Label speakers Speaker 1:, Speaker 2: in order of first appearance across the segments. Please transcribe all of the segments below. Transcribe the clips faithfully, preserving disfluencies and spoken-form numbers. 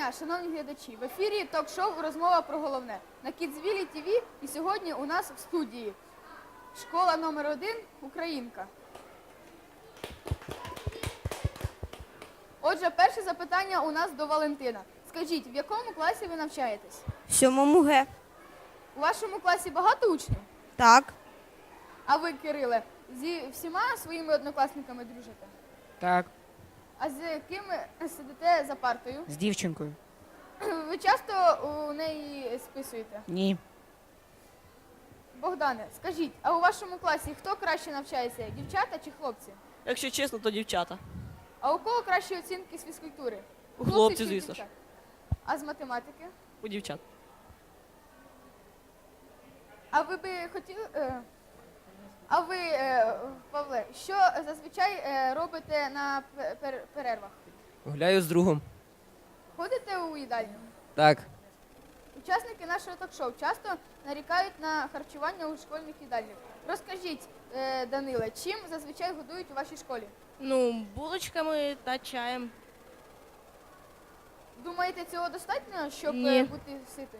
Speaker 1: дня, шановні глядачі! В ефірі ток-шоу «Розмова про головне» на Кідзвілі ТВ, і сьогодні у нас в студії школа номер один «Українка». Отже, перше запитання у нас до Валентина. Скажіть, в якому класі ви навчаєтесь?
Speaker 2: В сьомому Г.
Speaker 1: У вашому класі багато учнів?
Speaker 2: Так.
Speaker 1: А ви, Кириле, зі всіма своїми однокласниками дружите?
Speaker 3: Так,
Speaker 1: А з ким сидите за партою?
Speaker 3: з дівчинкою.
Speaker 1: Ви часто у неї списуєте?
Speaker 3: Ні.
Speaker 1: Богдане, скажіть, а у вашому класі хто краще навчається, дівчата чи хлопці?
Speaker 4: Якщо чесно, то дівчата.
Speaker 1: А у кого кращі оцінки з фізкультури?
Speaker 4: У
Speaker 1: Хлопців
Speaker 4: хлопців,
Speaker 1: чи
Speaker 4: звісно ж.
Speaker 1: дівчат? А з математики?
Speaker 4: У дівчат.
Speaker 1: А ви би хотіли... е, А ви, е, Павле, що зазвичай е, робите на пе- пер- перервах?
Speaker 5: Гуляю з другом.
Speaker 1: Ходите у їдальню?
Speaker 5: Так.
Speaker 1: Учасники нашого ток-шоу часто нарікають на харчування у школьних їдальнях. Розкажіть, е, Даниле, чим зазвичай годують у вашій школі?
Speaker 2: Ну, булочками та чаєм.
Speaker 1: Думаєте, цього достатньо, щоб
Speaker 2: Ні.
Speaker 1: е, бути ситою?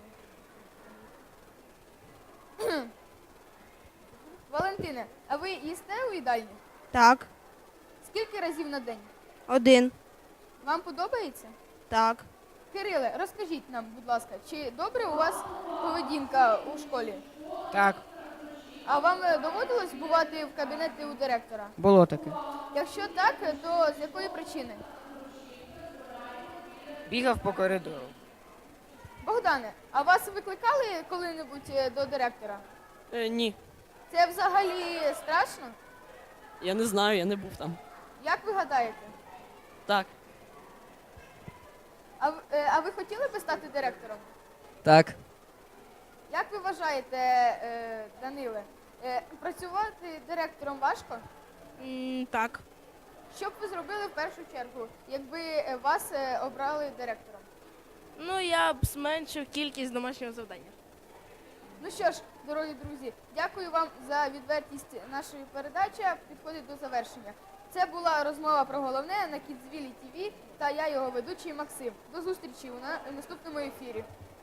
Speaker 1: Валентине, а ви їсте у їдальні?
Speaker 2: Так.
Speaker 1: Скільки разів на день?
Speaker 2: Один.
Speaker 1: Вам подобається?
Speaker 2: Так.
Speaker 1: Кириле, розкажіть нам, будь ласка, чи добре у вас поведінка у школі?
Speaker 3: Так,
Speaker 1: А вам е, доводилось бувати в кабінеті у директора?
Speaker 3: було таке.
Speaker 1: Якщо так, то з якої причини?
Speaker 3: Бігав по коридору.
Speaker 1: Богдане, а вас викликали коли-небудь е, до директора?
Speaker 4: Е, ні,
Speaker 1: Це взагалі страшно?
Speaker 4: я не знаю, я не був там.
Speaker 1: Як ви гадаєте?
Speaker 4: Так,
Speaker 1: А, в- е, а ви хотіли би стати директором?
Speaker 5: Так.
Speaker 1: Як ви вважаєте, е, Даниле, е, працювати директором важко?
Speaker 2: М, так.
Speaker 1: Що б ви зробили в першу чергу, якби е, вас е, обрали директором?
Speaker 2: Ну, я б зменшив кількість домашнього завдання.
Speaker 1: Ну що ж, дорогі друзі, дякую вам за відвертість нашої передачі. Підходить до завершення. Це була розмова про головне на Кідзвілі ТВ та я його ведучий Максим. До зустрічі у на- наступному ефірі.